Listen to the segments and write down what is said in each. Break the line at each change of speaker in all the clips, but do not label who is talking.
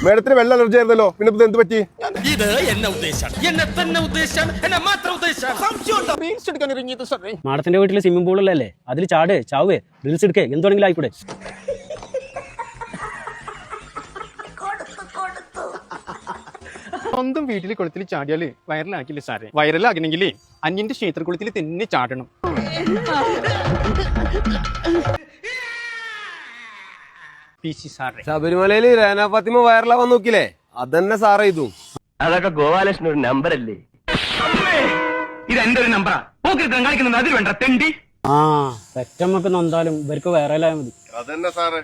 മേഡത്തിന് വെള്ള അലർജി ആയിരുന്നല്ലോ, പിന്നെ ഇപ്പൊ എന്ത് പറ്റി?
ഇത് എന്നെ ഉദ്ദേശാണ്, എന്നെ തന്നെ ഉദ്ദേശാണ്, എന്നെ മാത്രം ഉദ്ദേശാണ്.
മാഡത്തിന്റെ വീട്ടിൽ സ്വിമ്മിംഗ് പൂളല്ലേ, അതിൽ ചാട് ചാവേ റീൽസ് എടുക്കേ എന്തുവേണമെങ്കിലും ആയിക്കൂടെ?
സ്വന്തം വീട്ടിൽ കുളത്തിൽ ചാടിയാല് വൈറലാക്കില്ല സാറേ. വൈറലാകണമെങ്കിൽ അന്യന്റെ ക്ഷേത്രകുളത്തിൽ തന്നെ ചാടണം.
ശബരിമലയില് രേന ഫാത്തിമ വൈറലാവാൻ നോക്കില്ലേ, അതന്നെ സാറേ ഇതും.
അതൊക്കെ ഗോപാലകൃഷ്ണൻ ഒരു നമ്പറല്ലേ? ഇത് എന്റെ ഒരു നമ്പറാ. കളിക്കുന്നത് അതിൽ വേണ്ട തെണ്ടി.
ആ പെറ്റമ്മക്ക് നൊന്താലും ഇവർക്ക് വൈറലായാൽ മതി.
അതന്നെ സാറേ.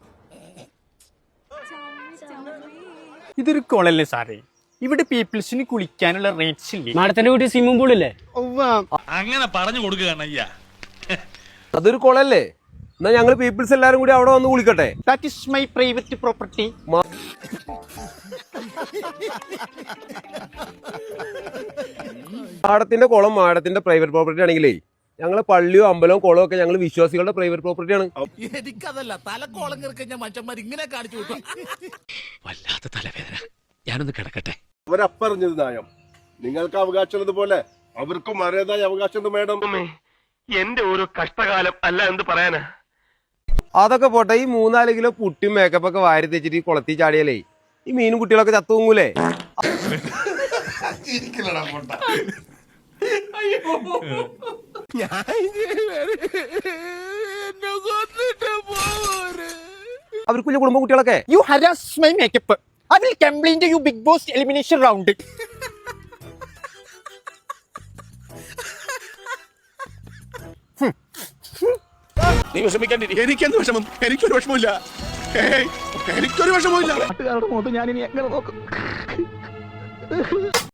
ഇതൊരു കുളല്ലേ സാറേ, ഇവിടെ പീപ്പിൾസിന് കുളിക്കാനുള്ള റേറ്റ്സ് ഇല്ലേ?
മാഡത്തിന്റെ വീട്ടിൽ സ്വിമ്മിംഗ് പൂൾ ഇല്ലേ?
അങ്ങനെ പറഞ്ഞു കൊടുക്കുകയാണ് അയ്യാ.
അതൊരു കുളല്ലേ, എന്നാ ഞങ്ങള് പീപ്പിൾസ് എല്ലാരും കൂടി അവിടെ വന്ന് കുളിക്കട്ടെ.
That is my private property.
മാഡത്തിന്റെ കുളം മാഡത്തിന്റെ പ്രൈവറ്റ് പ്രോപ്പർട്ടി ആണെങ്കിലേ ഞങ്ങള് പള്ളിയോ അമ്പലവും കുളവും ഒക്കെ ഞങ്ങൾ വിശ്വാസികളുടെ പ്രൈവറ്റ് പ്രോപ്പർട്ടിയാണ്.
എനിക്കതല്ല, തലക്കോളം കിറക്കഞ്ഞ മനുഷ്യന്മാർ ഇങ്ങനെ കാണിച്ചു വിട്ടു. വല്ലാത്ത തലവേദന, ഞാനൊന്ന് കിടക്കട്ടെ.
അവരപ്പറഞ്ഞത് ന്യായം. നിങ്ങൾക്ക് അവകാശമുള്ളത് പോലെ അവർക്കും അതേതായ അവകാശമുണ്ട് മേഡം.
എന്റെ ഒരു കഷ്ടകാലം അല്ല എന്ത് പറയാനാ.
അതൊക്കെ പോട്ടെ, ഈ 3-4 കിലോ പുട്ടിയും മേക്കപ്പ് ഒക്കെ വാരി തെച്ചിട്ട് ഈ കുളത്തി ചാടിയാലേ ഈ മീനും കുട്ടികളൊക്കെ ചത്തുങ്ങൂലേ? അവർക്കുള്ള കുടുംബ കുട്ടികളൊക്കെ.
You harass my makeup. I will complain to you Big Boss elimination round.
നീ വിഷമിക്കാണ്ടിരി. എനിക്കെന്ത് വിഷമം? എനിക്കൊരു വിഷമമില്ല, എനിക്കൊരു വിഷമമില്ല.
നാട്ടുകാരുടെ മുഖത്ത് ഞാൻ ഇനി എങ്ങനെ നോക്കും?